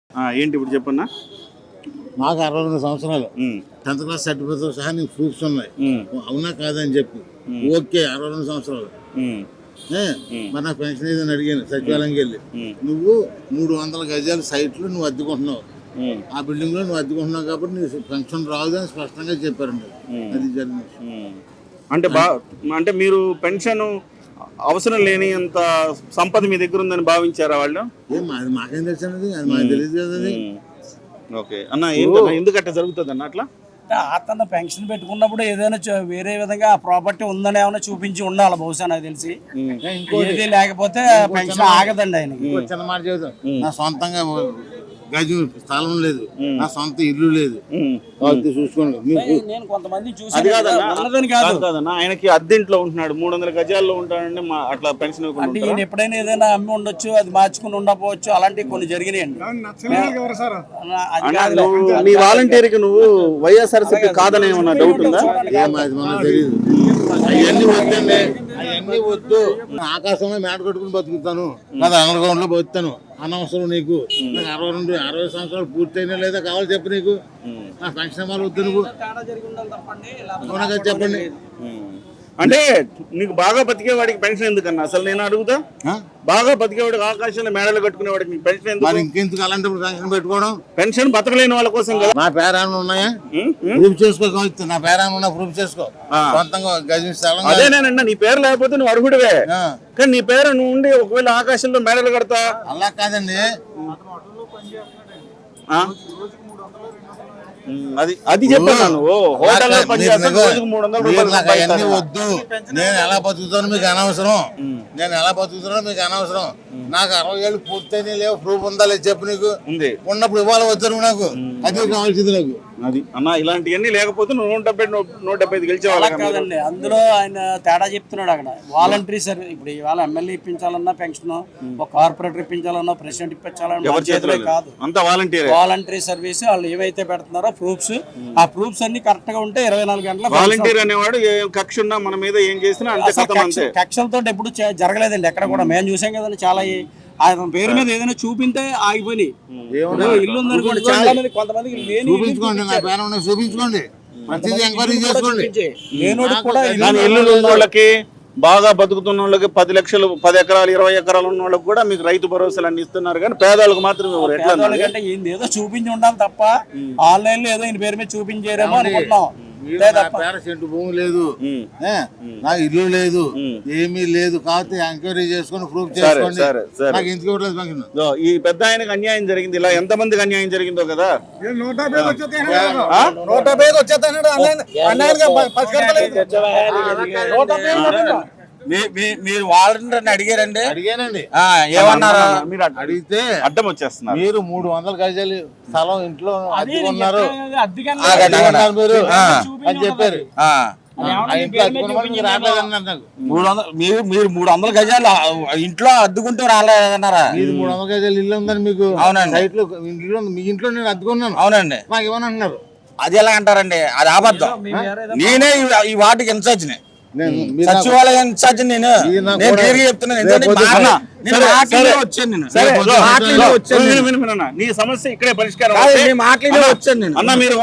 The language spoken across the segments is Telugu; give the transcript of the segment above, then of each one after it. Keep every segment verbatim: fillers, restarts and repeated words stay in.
ఏంటి ఇప్పుడు చెప్పన్నా? నాకు అరవై రెండు సంవత్సరాలు టెన్త్ క్లాస్ సర్టిఫికేట్ సహా నీకు ప్రూఫ్స్ ఉన్నాయి. అవునా కాదని చెప్పి ఓకే అరవై రెండు సంవత్సరాలు మరి నాకు పెన్షన్ ఏదని అడిగాను సచివాలయంకి వెళ్ళి. నువ్వు మూడు వందల గజాల సైట్లు నువ్వు అద్దెకుంటున్నావు, ఆ బిల్డింగ్ లో నువ్వు అద్దెకుంటున్నావు కాబట్టి నీకు పెన్షన్ రాదు అని స్పష్టంగా చెప్పారండి. అది జరిగింది. అంటే బా అంటే మీరు పెన్షన్ అవసరం లేని అంత సంపద మీ దగ్గర ఉందని భావించారా వాళ్ళు? ఏం అది మాకేం తెలుసు అది మాకు తెలియదు కదా. ఓకే అన్న, ఎందుకంటే జరుగుతుంది అన్న అట్లా? అతను పెన్షన్ పెట్టుకున్నప్పుడు ఏదైనా వేరే విధంగా ప్రాపర్టీ ఉందని ఏమైనా చూపించి ఉండాలి బహుశా నాకు తెలిసి. ఏది లేకపోతే పెన్షన్ ఆగదండి ఆయనకి. చిన్న మాట చెబుతాం, నా సొంతంగా గజం స్థలం లేదు, నా సొంత ఇల్లు లేదు, చూసుకోండి. నేను కొంతమంది అది కాదన్నా కాదన్నా ఆయనకి అద్దెంట్లో ఉంటున్నాడు, మూడు వందల గజాల్లో ఉంటాడండి, అట్లా పెన్షన్ అంటే ఈయన ఎప్పుడైనా ఏదైనా అమ్మి ఉండొచ్చు, అది మార్చుకుని ఉండకపోవచ్చు, అలాంటివి కొన్ని జరిగినాయండి. నీ వాలంటీర్ కి నువ్వు వైఎస్ఆర్సీపీ కాదని ఏమన్నా డౌట్ ఉందా? తెలియదు. అవన్నీ వద్దండి, అవన్నీ వద్దు. ఆకాశంలో మేట కట్టుకుని బతుకుతాను, నాది అండర్ గ్రౌండ్ లో బతుకుతాను. అనవసరం నీకు. నాకు అరవై రెండు అరవై సంవత్సరాలు పూర్తయినా లేదా కావాలి చెప్పు. నీకు నా పెన్షన్ వాళ్ళు వద్దు. నువ్వు అవునా చెప్పండి. అంటే నీకు బాగా బతికేవాడికి పెన్షన్ ఎందుకన్నా అసలు నేను అడుగుతా? బాగా బతికేవాడికి ఆకాశంలో మేడలు కట్టుకునే వాడికి పెన్షన్ ఎందుకు? ఇంకెందుకు అలాంటి పెన్షన్ పెట్టుకోవడం? పెన్షన్ బతకలేని వాళ్ళ కోసం కదా. నా పేరాలు ఉన్నాయా? ప్రూఫ్ చేసుకో. నా పేరాలు ఉన్నా ప్రూఫ్ చేసుకో. సొంతంగా గజం స్థలం. అదేనేనన్నా, నీ పేరు లేకపోతే నువ్వు అర్హుడివే, కానీ నీ పేరు నువ్వు ఉండి ఒకవేళ ఆకాశంలో మేడలు కడతా. అలా కాదండి, అది అది చెప్పాను. వద్దు. నేను ఎలా బతుకుతాను మీకు అనవసరం. నేను ఎలా బతుకుతానో మీకు అనవసరం. నాకు అరవై ఏళ్ళు పూర్తయినా లేవు, ప్రూఫ్ ఉందా లేదు చెప్పు. నీకు ఉన్నప్పుడు ఇవ్వాలి వద్దు నాకు. అది కావాల్సింది నాకు. అది అన్న, ఇలాంటివన్నీ లేకపోతే నువ్వు నూట డెబ్బై నూట డెబ్బై ఐదు గెలిచేవాళ్ళ కాదండి. అందులో ఆయన తేడా చెప్తున్నాడు అక్కడ. వాలంటరీ సర్వీస్ ఇప్పుడు ఇవాళ ఎమ్మెల్యే ఇప్పించాలన్నా పెన్షన్, ఒక కార్పొరేటర్ ఇప్పించాలన్నా, ప్రెసిడెంట్ ఇప్పించాలన్నా కాదు, అంతా వాలంటీర్. వాలంటరీ సర్వీస్ వాళ్ళు ఏవైతే పెడుతున్నారో ప్రూఫ్స్, ఆ ప్రూఫ్స్ అన్ని కరెక్ట్ గా ఉంటే ఇరవై నాలుగు గంటల. వాలంటీర్ అనేవాడు కక్ష ఉన్నా మన మీద ఏం చేసినా కక్షలతో ఎప్పుడు జరగలేదండి ఎక్కడ కూడా. మేము చూసాం కదండి చాలా. ఆయన పేరు మీద ఏదైనా చూపింటే ఆగిపోయి ఇల్లు ఉందనుకోండి, చాలా మంది కొంతమంది చూపించుకోండి. నా పేరు ఉన్నాయి చూపించుకోండి, ప్రతిదీ ఎంక్వైరీ చేసుకోండి. లేనోడికి కూడా ఇల్లు ఉన్న వాళ్ళకి, బాగా బతుకుతున్న వాళ్ళకి పది లక్షలు పది ఎకరాలు ఇరవై ఎకరాలు ఉన్న వాళ్ళకి కూడా మీకు రైతు భరోసాలు అన్ని ఇస్తున్నారు, కానీ పేదవాళ్ళకి మాత్రం అంటే ఏదో చూపించి ఉండాలి తప్ప ఆన్లైన్ లో ఏదో ఈయన పేరు మీద చూపించారేమో అనుకుంటున్నాం. సెంటు భూమి లేదు, నాకు ఇల్లు లేదు, ఏమీ లేదు. కాబట్టి ఎంక్వైరీ చేసుకుని ప్రూఫ్ చేసుకోండి. నాకు ఎందుకు ఇవ్వట్లేదు? ఈ పెద్ద ఆయనకు అన్యాయం జరిగింది, ఇలా ఎంత మందికి అన్యాయం జరిగిందో కదా. నూట యాభై వచ్చేస్తాడు. మీరు వాలంటీర్ని అడిగారండి? అడిగానండి. ఏమన్నారు? మీరు అడిగితే అడ్డం వచ్చేస్తున్నారు. మీరు మూడు వందల గజాలు స్థలం ఇంట్లో అద్దెకున్నారు మీరు అని చెప్పారు. మీరు మూడు వందల గజాలు ఇంట్లో అద్దుకుంటూ రాలేదన్నారా? మీరు మూడు వందల గజాలు ఇల్లు ఉందని మీకు. అవునండి. సైట్ లో ఇంట్లో మీ ఇంట్లో నేను అద్దుకున్నాను. అవునండి. నాకు ఇవ్వని అంటున్నారు. అది ఎలా అంటారండి? అది అబద్ధం. నేనే ఈ వాటికి ఇన్ఛార్జిని, సచివాలయం ఇన్ఛార్జి నేను. నేను చెప్తున్నాను, నీ సమస్య ఇక్కడే పరిష్కారం. వచ్చాను నేను అన్న, మీరు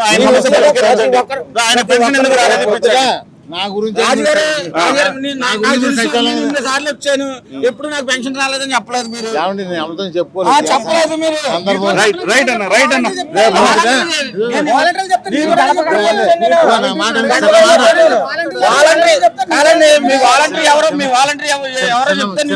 నా గురించి సార్లు వచ్చాను, ఎప్పుడు నాకు పెన్షన్ రాలేదని చెప్పలేదు మీరు. చెప్పుకోలేదు చెప్పలేదు మీరు. రైట్ అన్న, రైట్ అన్న. కాదండి, మీ వాలంటీర్ ఎవరో మీ వాలంటీర్ ఎవరో చెప్తే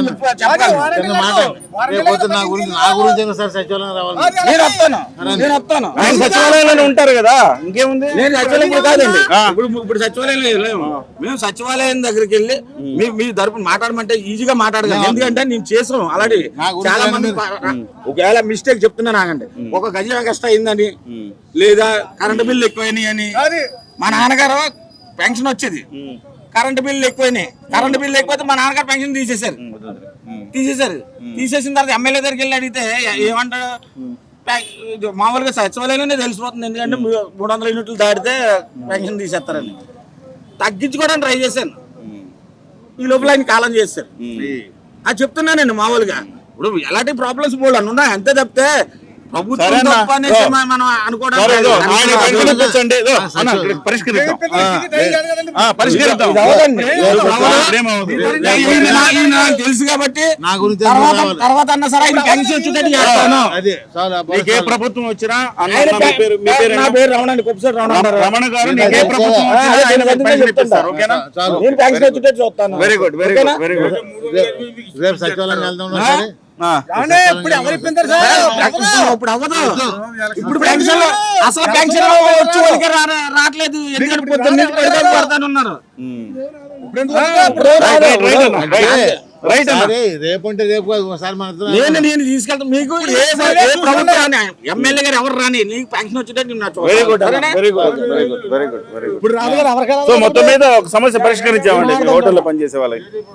నా గురించి నా గురించి సార్ సచివాలయం రావాలి. నేను వస్తాను, నేను వస్తాను. ఆయన సచివాలయంలోనే ఉంటారు కదా, ఇంకేముంది. నేను సచివాలయం కాదండి, ఇప్పుడు ఇప్పుడు సచివాలయం మేము సచివాలయం దగ్గరికి వెళ్ళి మీ మీ తరపున మాట్లాడమంటే ఈజీగా మాట్లాడగలం. ఎందుకంటే నేను చేసాం అలాంటి చాలా మంది. ఒకవేళ మిస్టేక్ చెప్తున్నా ఆగండి. ఒక గజం కష్టం అయిందని, లేదా కరెంటు బిల్లు ఎక్కువైనాయి అని. మా నాన్నగారు పెన్షన్ వచ్చేది, కరెంటు బిల్లు ఎక్కువైనాయి. కరెంటు బిల్లు ఎక్కువైతే మా నాన్నగారు పెన్షన్ తీసేశారు తీసేశారు తీసేసిన తర్వాత ఎమ్మెల్యే దగ్గరికి వెళ్ళి అడిగితే ఏమంటాడు? మామూలుగా సచివాలయంలోనే తెలిసిపోతుంది, ఎందుకంటే మూడు వందల యూనిట్లు దాటితే పెన్షన్ తీసేస్తారని. తగ్గించుకోవడానికి ట్రై చేశాను, ఈ లోపల ఆయన కాలం చేశారు. అది చెప్తున్నానండి. మామూలుగా ఇప్పుడు ఎలాంటి ప్రాబ్లమ్స్ బోల్డ్ అని ఉన్నాయి, అంతే తప్పితే ప్రభుత్వం సరేనా? తప్పు అనేసి ఓ. మనం అనుకోవడం సరే, ఇదో, కాదు. ఆయన పెన్షన్ కూర్చోండి ఇదో, అన్న, ఇక్కడ పరిష్కరిద్దాం ఆ, ఆ, పరిష్కరిద్దాం ఇది అవ్వదండి. లేదు, ఇది అవ్వదు. ఏమవుతుంది? ఇది నా- ఇది నాకు తెలుసు కాబట్టి నా గురించి తర్వాత కావాలి. తర్వాత అన్న సరే ఆయన పెన్షన్ వచ్చేటట్టు చేస్తాను. అదే చాలా నీకే ప్రభుత్వం వచ్చినా అన్న, ఆయన అన్న, మీ పేరు మీ పేరు నా ఏనా? పేరు రమణ అండి, కొప్పసారి రమణ అంటారు. రమణ గారు నీకే ప్రభుత్వం ఆ, వచ్చినా అదే ఆయన నేను పెన్షన్ చెప్తున్నా. ఇప్పిస్తారు, ఓకేనా? చాలు నేను పెన్షన్ వచ్చేటట్టు చూస్తాను. Very good very good very good రేపు- రేపు సచివాలయం వెళ్దాం సరే ఆ, ఇప్పుడు ఇప్పుడు అవ్వదు. ఇప్పుడు పెన్షన్ అసలు పెన్షన్ వచ్చి వాళ్ళకి రా- రా- రావట్లేదు. ఎందుకంటే పొద్దున్న నుంచి పెడతాను పెడతాను ఉన్నారు. ఉమ్. ఇప్పుడు రైట్, రైట్, రైట్ అన్న, రైట్. రైట్ అన్న. సరే రేపు అంటే రేపు కాదు, ఒకసారి మన నేను నేను తీసుకెళ్తాను. మీకు ఏ ఏ ప్రభుత్వం రాని ఎమ్మెల్యే గారు ఎవరు రాని నీకు పెన్షన్ వచ్చేటట్టు నేను నచ్చ- వెరీ గుడ్ సరేనా? Very good very good very good very good ఇప్పుడు రాదు కదా ఎవరికైనా సో మొత్తం మీద ఒక సమస్య పరిష్కరించామండి మీ హోటల్లో పనిచేసే వాళ్ళకి